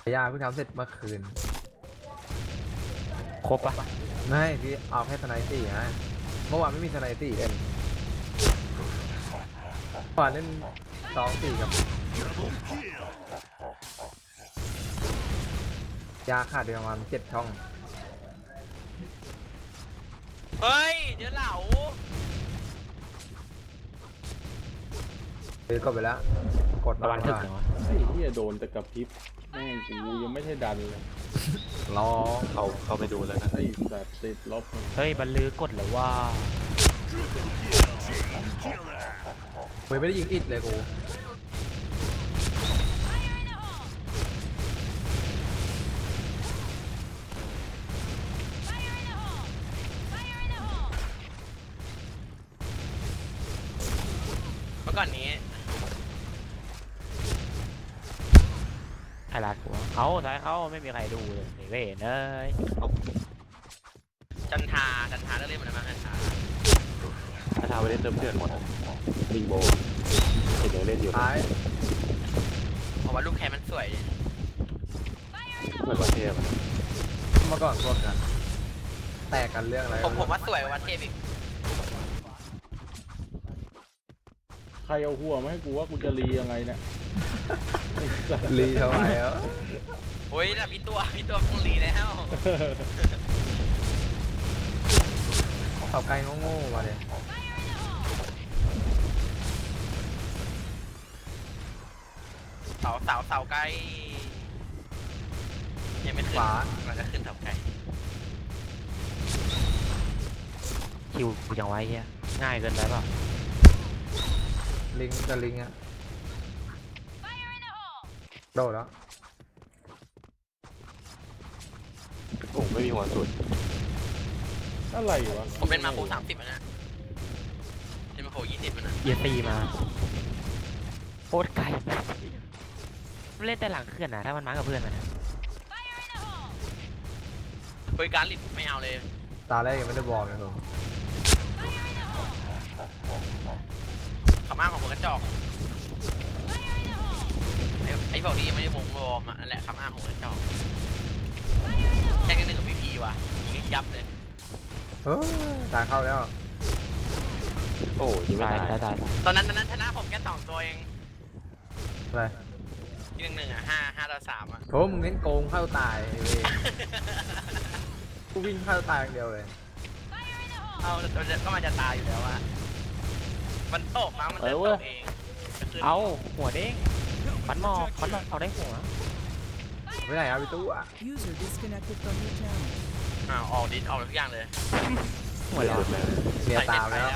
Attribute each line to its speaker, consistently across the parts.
Speaker 1: ยาเพิ่งทำเสร็จเมื่อคืน
Speaker 2: ครบปะ
Speaker 1: ไม่พี่เอาแค่สไนตี้ฮะเมื่อวานไม่มีสไนตี้เล่นเมื่อวานเล่น2-4กับยาขาดเดือนประมาณ7 ช่อง
Speaker 3: เฮ้ยเดี๋ยวเหลา
Speaker 1: ซื้อกดไปแล้วกด
Speaker 2: ประมาณถึง
Speaker 1: ว่า
Speaker 2: เหรอวะ
Speaker 4: ไอ้เหี้ยโดนแต่กระพริบแม่งกูยังไม่ได้ดันเลย
Speaker 1: รอ
Speaker 5: เข้าไปดูแล้วนะ
Speaker 4: ไอ้สัตว์ติดลบมัน
Speaker 2: เฮ้ยบรรลือกดแล้วว่า
Speaker 1: ไม่ได้ยิงอิดเลยกู
Speaker 3: เมื่อก่อนนี้
Speaker 2: ไทยรัฐกูเอาท้ายเข้าไม่มีใครดูเลยนี่ก็เห็นเอ้ย
Speaker 3: จันทาเรื่องเล่นมันมาจันทา
Speaker 5: ถ้าทาไปเล่นเติมเพื่อนหมดบิงโบเห็นยังเล่นอยู่
Speaker 1: ท้าย
Speaker 3: เพราะว่าลูกแคร์มันสวยดิ
Speaker 5: เหมือนประเทศอะ
Speaker 1: เมื่อก่อนพวกกัน แตกกันเรื่องอะไร
Speaker 3: ผมว่าสวยกว่าวัดเทพอีก
Speaker 4: ใครเอาหัวมาให้กูว่ากูจะรียังไงเนี่ยไอ้สัตว์
Speaker 1: รีเท่าไหร่แล้ว
Speaker 3: โอ้ยแต่พี่ตัวคงรีแล้ว
Speaker 1: เขาไกลโง่ๆมาเลย
Speaker 3: เสาไกลยังไม่ขึ้นเราจะขึ้นเสาไกล
Speaker 2: คิวกูยังไว้เฮียง่ายเกินไปเปล่า
Speaker 1: ลิงกับลิงอะโดดแล้ว
Speaker 5: โอ้ไม่มีหัวสุด
Speaker 4: อะไรวะ
Speaker 3: ผมเป็นมาโค30นะเป็นมาโค20นะ
Speaker 2: เยียตีมาโคตรไกลเล่นแต่หลังเขื่อนนะถ้ามันมากับเพื่อนมันนะ
Speaker 3: บริการลิฟไม่เอาเลย
Speaker 1: ตาแรกยังไม่ได้บอกเลยผม
Speaker 3: คำอ้างของคนกระจอกไอ้บอกนี้ยังไม่ได้วงรวมอ่ะนั่นแหละคำอ้างของคนกระจอกแค่กันหนึ่งกับพี่พีว่ะยิงยับเลย
Speaker 1: เฮ้ยตาเข้าแล้ว
Speaker 5: โอ้ยิงไม่
Speaker 2: ตาย
Speaker 5: ตาย
Speaker 2: ตาย
Speaker 3: ตอนนั้นชนะผมแค่2 ตัวเอง
Speaker 1: อะไร
Speaker 3: ที่1-1อ่ะ5-3อ่ะ
Speaker 1: โถมึงเน้นโกงเข้าตายไอ้เว้ยกูวิ่งเข้าตายอย่างเดียวเลย
Speaker 3: เอาก็มันจะตายอยู่แล้วอะมันตกมั้งมันจะตกเอง
Speaker 2: เอาหัวเด้งฟันหมอกเอาได้หัว
Speaker 1: ไม่ไหนเอาไปตู้อะ
Speaker 6: User disconnected from your channel.
Speaker 3: ออกดิออกทุกอย่างเลย
Speaker 2: หัวแล้ว
Speaker 1: เมียตามแล้ว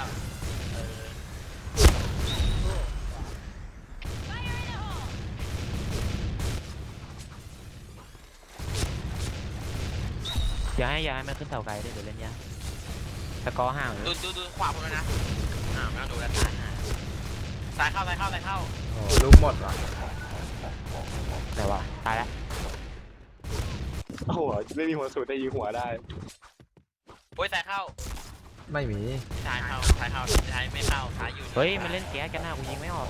Speaker 2: อย่าให้มันขึ้นเสาไกลด้วยเดี๋ยวเล่นยากสกอร์ห่างเลย
Speaker 3: ดูขวาผมแล้วนะไม่ต้องดูแล้วซ้ายเข้า
Speaker 1: โอ้ลูกหมดว่ะ
Speaker 2: แต่ว่าตายแล้ว
Speaker 5: โอ้โหไม่มีหัวสุดได้ยิงหัวได้
Speaker 3: โอ้ยซ้ายเข้า
Speaker 1: ไม่มี
Speaker 3: ซ้ายไม่เข้าซ้ายอยู่
Speaker 2: เฮ้ยมันเล่นแก๊สกันหน้ากูยิงไม่ออก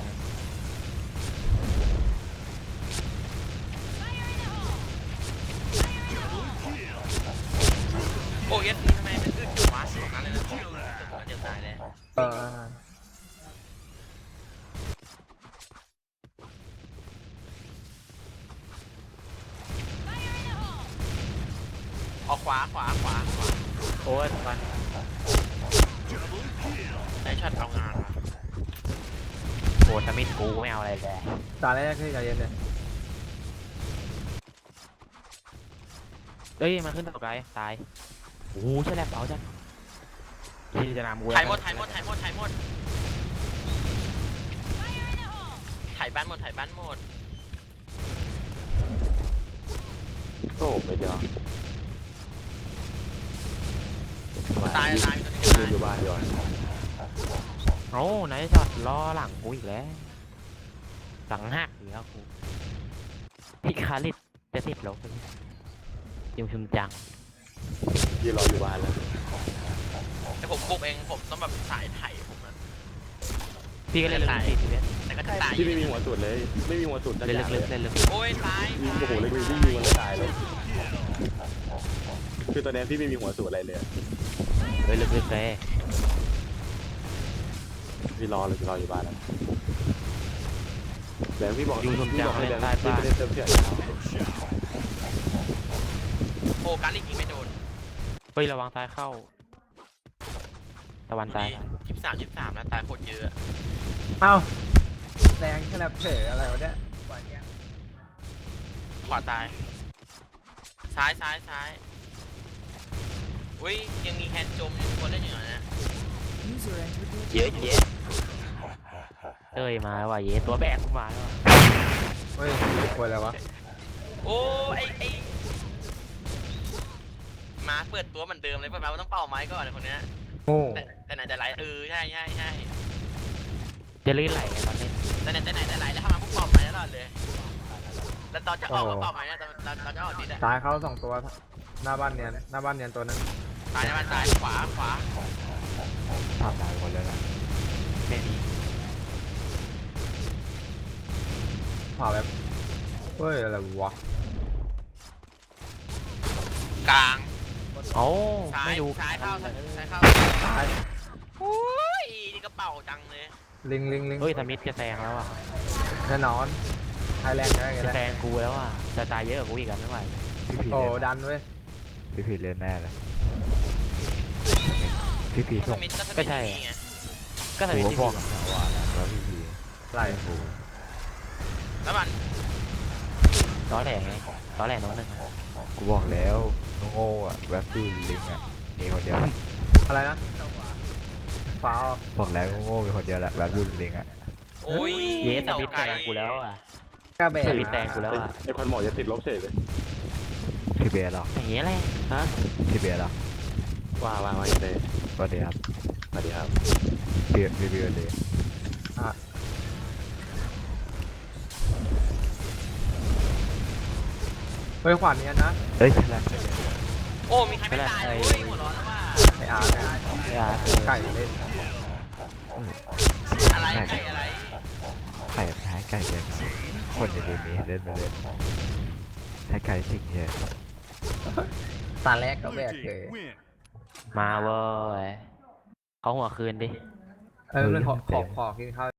Speaker 3: โอ้ยทำไมมันอึดจังวะตรงนั้นเลยนะเดี๋ยวตายเลย
Speaker 1: เออ
Speaker 3: ออกขวา
Speaker 2: โอ้ยมัน
Speaker 3: ได้ช็อตเอางานว่ะ
Speaker 2: โหสมิธกูไม่เอาอะไรเลย
Speaker 1: ตาแรกที่ใจเย็นเลย
Speaker 2: เฮ้ยมันขึ้นเสาไกลตายโอ้โหใช่แหละเปล่าจังที่จะนำกู
Speaker 3: ถ่ายหมดถ่ายบ้านหมด
Speaker 5: โอ้ไม่เดียว
Speaker 3: ตายตัวนี้
Speaker 5: ยืนอยู่บ้านย้อน
Speaker 2: โอ้ไหนช็อตล้อหลังกูอีกแล้วหลังหักอีกแล้วกูพี่คาริสจะติดลบยิงชุมจัง
Speaker 5: ยืนรออยู่บ้านแล้ว
Speaker 3: แต่ผมบุกเองผมต้องแบบสายไถ่ผมนะ
Speaker 2: พี่ก็เล่น
Speaker 3: ไม่
Speaker 2: เล่น
Speaker 3: ได้
Speaker 2: สี่สิบเอ็ด
Speaker 3: แต่ก็ก็จะตาย
Speaker 5: พี่ไม่มีหัวสูตรเลย ไม่มีหัวสูตรสัก
Speaker 2: เล่น
Speaker 5: อย่างเล
Speaker 2: ลึ
Speaker 5: ย
Speaker 2: กๆเล่นลึก
Speaker 3: โอ้ยตาย
Speaker 5: ยิงโอ้โหเลยวิ่งยิงมันไม่ตายเลย คือตอนนี้พี่ไม่มีหัวสูตรอะไรเลย
Speaker 2: ๆเฮ้ยลึกๆเลย
Speaker 5: พี่รอเลยพี่รออยู่บ้านแล้วแต่พี่บอก
Speaker 2: ยูซุนจัง
Speaker 5: ให้
Speaker 2: เล่น
Speaker 5: แบ
Speaker 2: ใต้
Speaker 5: งค์พี่
Speaker 2: บ้าน
Speaker 5: ไม่ได้เติมเถื่อน
Speaker 3: โอ้การลิงยิงไม่โดน
Speaker 2: เฮ้ยระวังซ้ายเข้า ตะวันซ้าย
Speaker 3: 23นะตายโคตรเยอะ
Speaker 1: เอ้าแรงแค่แบบเฉยอะไรวะเนี่ย
Speaker 3: ขวาตายซ้ายอุ้ยยังมีแฮนด์จมยังมีคนเล่นอยู่นะ
Speaker 6: User entered your
Speaker 2: เยอะเยอะเอ้ยมาว่ะเยตัวแบกกูมาแล้วว่ะ
Speaker 1: เฮ้ยควรอะไรวะ
Speaker 3: โอ้ไอมาเปิดตัวเหมือนเดิมเลยเปิดมาต้องเป่าไม้ก่อนคนเนี้ย
Speaker 1: โง่
Speaker 3: แต่ไหนแต่ไรใช่
Speaker 2: จะลื่นไหลไงตอนนี้
Speaker 3: แต่ไหนแต่ไรแล้วทำมาพวกเป่าไม้ตลอดเลยแล้วตอนจะออกก็เป่าไม้เนี่ยตอนจะออกติดอะ
Speaker 1: ตายเขา2 ตัวหน้าบ้านเนียนตัวนึง
Speaker 3: ตายในบ้านซ้ายขวา
Speaker 2: ทำได้หมดเลยนะไม่มี
Speaker 1: ผ่าแบบเฮ้ยอะไรวะ
Speaker 3: กลาง
Speaker 2: โอ้
Speaker 3: ซ้าย
Speaker 2: ไม่ดู
Speaker 3: ซ้ายเข้าโอ้ยนี่กระเป๋าจังเลย
Speaker 1: ลิง
Speaker 2: เฮ้ยสมิธจะแซงแล้วอ่ะ
Speaker 1: แน่นอนไทยแลนด์ได้ไง
Speaker 2: จะ
Speaker 1: แล้ว
Speaker 2: แซงกูแล้วอ่ะจะตายเยอะกว่ากูอีกอ่ะไม่ไหว
Speaker 1: โอ้ดันเว้ย
Speaker 7: พี่พีเล่นแน่เลยพี่พี
Speaker 3: ส
Speaker 7: ส่ง
Speaker 3: มิธก็สมิธนี่ไง
Speaker 2: ก็สมิธ
Speaker 7: กู
Speaker 2: ที่
Speaker 7: บ
Speaker 2: ดี
Speaker 7: อกกับเขาว่าแล้วพี่พี
Speaker 1: ไหล
Speaker 3: แล้วมัน
Speaker 2: ล้อแหลงไงล้อแหลงน้องหนึ่ง
Speaker 7: กูบอกแล้วโง่อะแวบดูลิงอะมีคนเดียว
Speaker 1: อะไรนะฟ้าว
Speaker 7: บอกแล้วโง่มีคนเดียวแหละแวบดูลิงอะ
Speaker 3: โอ้ย
Speaker 2: เยสสมิธแซงกูแล้วอ่ะ
Speaker 1: กล้าแบก
Speaker 2: สมิธแซงกูแล้วอ่ะ
Speaker 5: ไอ้ควันหมอกจะติดลบเฉยเลย
Speaker 7: พี่เบียร์หรอ
Speaker 2: อย่างเงี้ยแหละฮะ
Speaker 7: พี่เบียร์หรอ
Speaker 5: ว่าเลย
Speaker 7: สวัสดีครับ
Speaker 5: สวัสดีครับ
Speaker 7: พี่เบียร์เลย
Speaker 1: เฮ้ยขวานเนียนนะ
Speaker 7: เฮ้ยแหละ
Speaker 3: โอ้มีใครไม่ตายโอ้ยหัวร้อนแล้วว่า
Speaker 1: ไออาร์ไ
Speaker 2: อย่า
Speaker 1: ไก่เล่น
Speaker 3: อะไรไก่อะไร
Speaker 7: ไก่ท้ายไก่เลยครับคนในดูนี้เล่นมาเล่นให้ไก่สิ่งเหี้ย
Speaker 1: ตาแรกก็แบกเลย
Speaker 2: มาเว้ยเขาหัวคืนดิ
Speaker 1: เออมันขอกินข้าว